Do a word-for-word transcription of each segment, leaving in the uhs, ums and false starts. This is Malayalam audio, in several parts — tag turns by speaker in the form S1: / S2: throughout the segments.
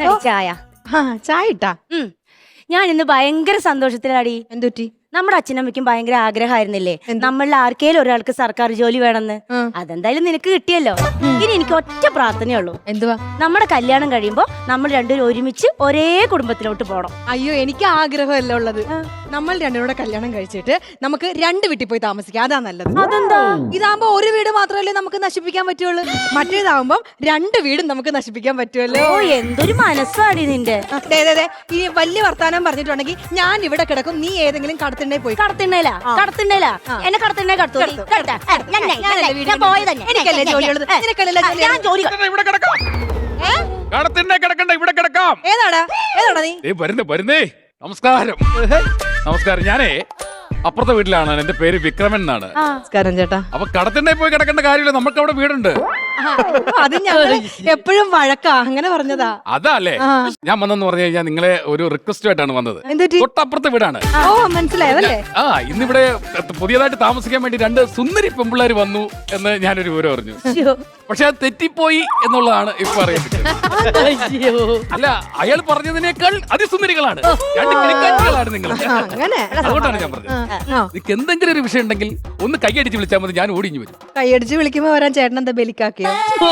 S1: ചായ
S2: ചായ ഇട്ടാ
S1: ഞാൻ ഇന്ന് ഭയങ്കര സന്തോഷത്തിലാടി.
S2: എന്തുറ്റി?
S1: നമ്മുടെ അച്ഛനമ്മയ്ക്കും ഭയങ്കര ആഗ്രഹമായിരുന്നില്ലേ നമ്മളിൽ ആർക്കേലും ഒരാൾക്ക് സർക്കാർ ജോലി വേണമെന്ന്. അതെന്തായാലും നിനക്ക് കിട്ടിയല്ലോ. ഇനി എനിക്ക് ഒറ്റ പ്രാർത്ഥനയുള്ളൂ.
S2: എന്തുവാ?
S1: നമ്മുടെ കല്യാണം കഴിയുമ്പോ നമ്മൾ രണ്ടുപേരും ഒരുമിച്ച് ഒരേ കുടുംബത്തിലോട്ട് പോണം.
S2: അയ്യോ, എനിക്ക് ആഗ്രഹമല്ല ഉള്ളത്. നമ്മൾ രണ്ടുപേരുടെ കല്യാണം കഴിച്ചിട്ട് നമുക്ക് രണ്ട് വീട്ടിൽ പോയി താമസിക്കാം. അതാ നല്ലത്.
S1: അതെന്താ?
S2: ഇതാകുമ്പോ ഒരു വീട് മാത്രമല്ലേ നമുക്ക് നശിപ്പിക്കാൻ പറ്റുള്ളൂ. മറ്റേതാകുമ്പോ രണ്ട് വീടും നമുക്ക് നശിപ്പിക്കാൻ പറ്റുമല്ലോ.
S1: ഓ, എന്തൊരു മനസ്സാടി നിന്റെ.
S2: ഈ വലിയ വർത്താനം പറഞ്ഞിട്ടുണ്ടെങ്കിൽ ഞാൻ ഇവിടെ കിടക്കും, നീ ഏതെങ്കിലും കടത്തിണ്ടേ പോയി.
S1: കടത്തിണ്ടേലാ കടത്തിണ്ടേലാ എന്നെ കടത്തിണ്ടേ കടത്തു.
S2: എനിക്കല്ലേ ജോലിയുള്ളത്, നിനക്കല്ലേ ജോലി?
S1: ഞാൻ ജോലി
S3: ഇവിടെ കിടക്കാം. കടത്തിണ്ടേ കിടക്കണ്ട, ഇവിടെ കിടക്കാം.
S2: ഏതാടാ ഏതാടാ നീ?
S3: വരുന്നേ വരുന്നേ. നമസ്കാരം. നമസ്കാരം. ഞാനേ അപ്പുറത്തെ വീട്ടിലാണ്. എന്റെ പേര് വിക്രമൻ എന്നാണ്.
S2: നമസ്കാരം ചേട്ടാ.
S3: അപ്പൊ കടത്തിണ്ടേ പോയി കിടക്കേണ്ട കാര്യമില്ല, നമുക്ക് അവിടെ വീടുണ്ട്.
S2: അത് ഞങ്ങൾ എപ്പോഴും വഴക്കാ, അങ്ങനെ പറഞ്ഞതാ.
S3: അതല്ലേ ഞാൻ വന്നെന്ന് പറഞ്ഞു കഴിഞ്ഞാൽ നിങ്ങളെ ഒരു റിക്വസ്റ്റ് ആയിട്ടാണ് വന്നത്. തൊട്ടപ്പുറത്തെ വീടാണ്.
S2: ഓ, മനസ്സിലായതല്ലേ?
S3: ആ, ഇന്നിവിടെ പുതിയതായിട്ട് താമസിക്കാൻ വേണ്ടി രണ്ട് സുന്ദരി പെമ്പിള്ളേർ വന്നു എന്ന് ഞാനൊരു വിവരം അറിഞ്ഞു. പക്ഷെ അത് തെറ്റിപ്പോയി എന്നുള്ളതാണ് ഇപ്പൊ അറിയുന്നത്. അല്ല, അയാൾ പറഞ്ഞതിനേക്കാൾ അതിസുന്ദരികളാണ്, രണ്ട് കിളിക്കാറ്റുകളാണ് നിങ്ങൾ. അതുകൊണ്ടാണ് ഞാൻ പറഞ്ഞത്. നിനക്ക് എന്തെങ്കിലും ഒരു വിഷയം ഉണ്ടെങ്കിൽ ഒന്ന് കൈയടിച്ച് വിളിച്ചാൽ മതി, ഞാൻ ഓടിഞ്ഞു വരും.
S2: കൈയടിച്ച് വിളിക്കുമ്പോ വരാൻ ചേട്ടൻ എന്താ ബലിക്കാക്കിയോ?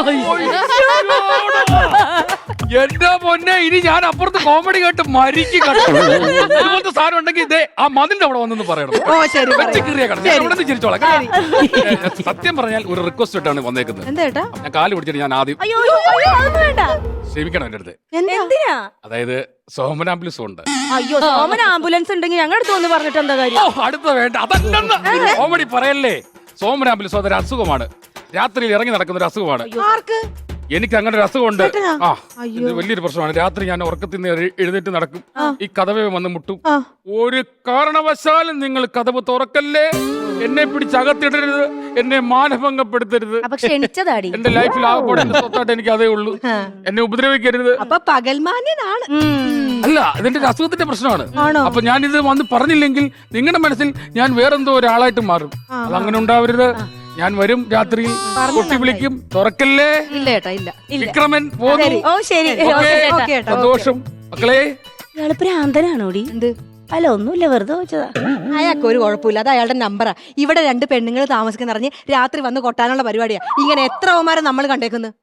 S3: എന്റെ പൊന്നെ, ഇനി ഞാൻ അപ്പുറത്ത് കോമഡി കേട്ട് മരിക്കും. ഇതുപോലത്തെ സാധനം ഉണ്ടെങ്കിൽ ഇതേ ആ മതിന്റെ അവിടെ വന്നെന്ന് പറയണം.
S2: ഓ ശരി,
S3: ചിരിച്ചോളാം. സത്യം പറഞ്ഞാൽ ഒരു റിക്വസ്റ്റ് ആയിട്ടാണ് വന്നേക്കുന്നത്.
S2: എന്താ?
S3: ഞാൻ കാല് പിടിച്ചിട്ട് ഞാൻ ആദ്യം ക്ഷമിക്കണം എന്റെ അടുത്ത്.
S1: എന്തിനാ?
S3: അതായത് സോമൻ ആംബുലൻസ് ഉണ്ട്.
S1: അയ്യോ, സോമൻ ആംബുലൻസ് ഉണ്ടെങ്കിൽ ഞങ്ങളുടെ അടുത്ത് വന്ന് പറഞ്ഞിട്ട് എന്താ കാര്യം?
S3: അടുത്ത വേണ്ട, അതല്ലെന്ന് കോമഡി പറയല്ലേ. സോമൻ ആംബുലൻസ് അതൊരു അസുഖമാണ്, രാത്രിയിൽ ഇറങ്ങി നടക്കുന്ന ഒരു അസുഖമാണ്. എനിക്ക് അങ്ങനെ ഒരു അസുഖമുണ്ട്. ആ, ഇത് വലിയൊരു പ്രശ്നമാണ്. രാത്രി ഞാൻ ഉറക്കത്തിൽ നിന്ന് എഴുന്നേറ്റ് നടക്കും, ഈ കതവേ വന്ന് മുട്ടും. ഒരു കാരണവശാലും നിങ്ങൾ കതവ് തുറക്കല്ലേ, എന്നെ പിടിച്ച് അകത്തിടരുത്, എന്നെ മാനഭംഗപ്പെടുത്തരുത്. എന്റെ ലൈഫിൽ ആകെപ്പാടെ എന്റെ സ്വത്തായിട്ട് എനിക്ക് അതേ ഉള്ളൂ. എന്നെ ഉപദ്രവിക്കരുത്.
S2: അപ്പൊ പകൽമാന്യനാണ്.
S3: അല്ല, ഇതിന്റെ അസുഖത്തിന്റെ പ്രശ്നമാണ്. അപ്പൊ ഞാൻ ഇത് വന്ന് പറഞ്ഞില്ലെങ്കിൽ നിങ്ങളുടെ മനസ്സിൽ ഞാൻ വേറെന്തോ ഒരാളായിട്ട് മാറും. അതങ്ങനെ ഉണ്ടാവരുത്. ഞാൻ വരും, രാത്രിയിൽ കൊട്ടി വിളിക്കും, തുറക്കല്ലേ.
S2: ഇല്ല ഏട്ടാ, ഇല്ല.
S3: വിക്രമൻ പോന്നു.
S1: ഓ ശരി,
S3: സന്തോഷം മക്കളെ.
S1: ഇയാള് ഭ്രാന്തനാണോടി?
S2: എന്ത്?
S1: അല്ല, ഒന്നുമില്ല, വെറുതെ വെച്ചതാ.
S2: അയാൾക്ക് ഒരു കുഴപ്പമില്ല, അത് അയാളുടെ നമ്പറാ. ഇവിടെ രണ്ട് പെണ്ണുങ്ങൾ താമസിക്കുന്ന അറിഞ്ഞ് രാത്രി വന്ന് കൊട്ടാനുള്ള പരിപാടിയാ. ഇങ്ങനെ എത്ര ഓമാരെ നമ്മൾ കണ്ടേക്കുന്നു.